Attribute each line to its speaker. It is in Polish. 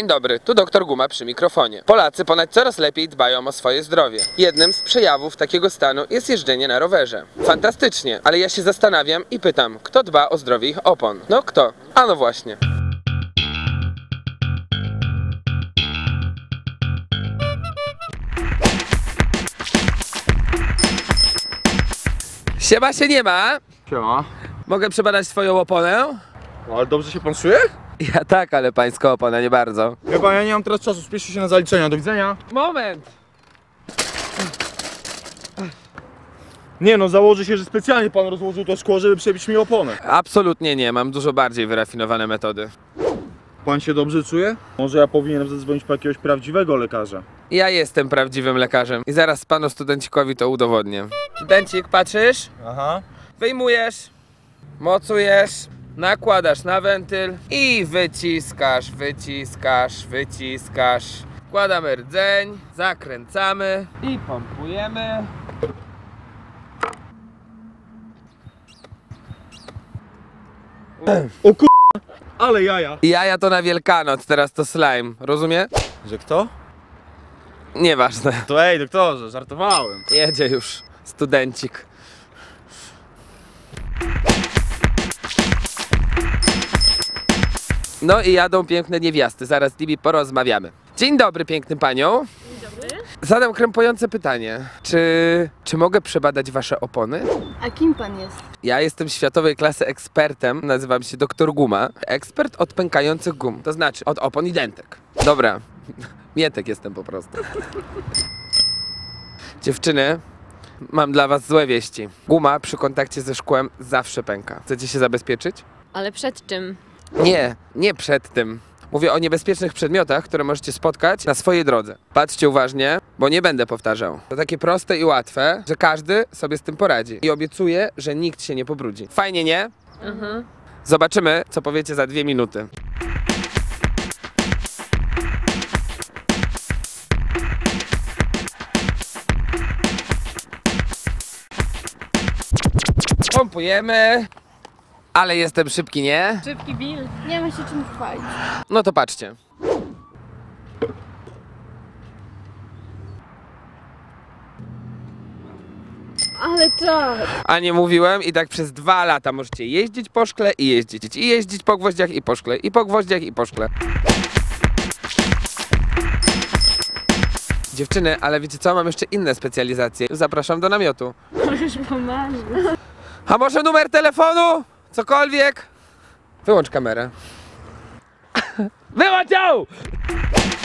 Speaker 1: Dzień dobry, tu doktor Guma przy mikrofonie. Polacy ponoć coraz lepiej dbają o swoje zdrowie. Jednym z przejawów takiego stanu jest jeżdżenie na rowerze. Fantastycznie, ale ja się zastanawiam i pytam, kto dba o zdrowie ich opon? No kto? A no właśnie. Siema się nie ma.
Speaker 2: Siema.
Speaker 1: Mogę przebadać swoją oponę?
Speaker 2: No, ale dobrze się pan czuje?
Speaker 1: Ja tak, ale pańska opona nie bardzo.
Speaker 2: Chyba ja nie mam teraz czasu, spieszę się na zaliczenia. Do widzenia.
Speaker 1: Moment!
Speaker 2: Nie no, założę się, że specjalnie pan rozłożył to szkło, żeby przebić mi oponę.
Speaker 1: Absolutnie nie, mam dużo bardziej wyrafinowane metody.
Speaker 2: Pan się dobrze czuje? Może ja powinienem zadzwonić po jakiegoś prawdziwego lekarza.
Speaker 1: Ja jestem prawdziwym lekarzem i zaraz panu studencikowi to udowodnię. Studencik, patrzysz?
Speaker 2: Aha.
Speaker 1: Wyjmujesz, mocujesz, nakładasz na wentyl i wyciskasz, wyciskasz, wyciskasz. Wkładamy rdzeń, zakręcamy i pompujemy.
Speaker 2: O k***, ale jaja.
Speaker 1: Jaja to na Wielkanoc, teraz to slime, rozumie?
Speaker 2: Że kto?
Speaker 1: Nieważne,
Speaker 2: To ej, doktorze, żartowałem.
Speaker 1: jedzie już studencik. No i jadą piękne niewiasty, zaraz z nimi porozmawiamy. Dzień dobry pięknym paniom.
Speaker 3: Dzień dobry.
Speaker 1: Zadam krępujące pytanie. Czy mogę przebadać wasze opony?
Speaker 3: A kim pan jest?
Speaker 1: Ja jestem światowej klasy ekspertem, nazywam się doktor Guma. Ekspert od pękających gum, to znaczy od opon i dentek. Dobra, mietek jestem po prostu. Dziewczyny, mam dla was złe wieści. Guma przy kontakcie ze szkłem zawsze pęka. Chcecie się zabezpieczyć?
Speaker 3: Ale przed czym?
Speaker 1: Nie przed tym. Mówię o niebezpiecznych przedmiotach, które możecie spotkać na swojej drodze. Patrzcie uważnie, bo nie będę powtarzał. To takie proste i łatwe, że każdy sobie z tym poradzi. I obiecuję, że nikt się nie pobrudzi. Fajnie, nie?
Speaker 3: Mhm.
Speaker 1: Zobaczymy, co powiecie za 2 minuty. Pompujemy. Ale jestem szybki, nie?
Speaker 3: Szybki Bill. Nie ma się czym chwalić.
Speaker 1: No to patrzcie.
Speaker 3: Ale czas.
Speaker 1: A nie mówiłem i tak przez 2 lata możecie jeździć po szkle i jeździć. I jeździć po gwoździach i po szkle. I po gwoździach i po szkle. Dziewczyny, ale wiecie co? Mam jeszcze inne specjalizacje. Zapraszam do namiotu.
Speaker 3: Możesz pomarzyć.
Speaker 1: A może numer telefonu? Cokolwiek? Wyłącz kamerę. Wyłącz ją!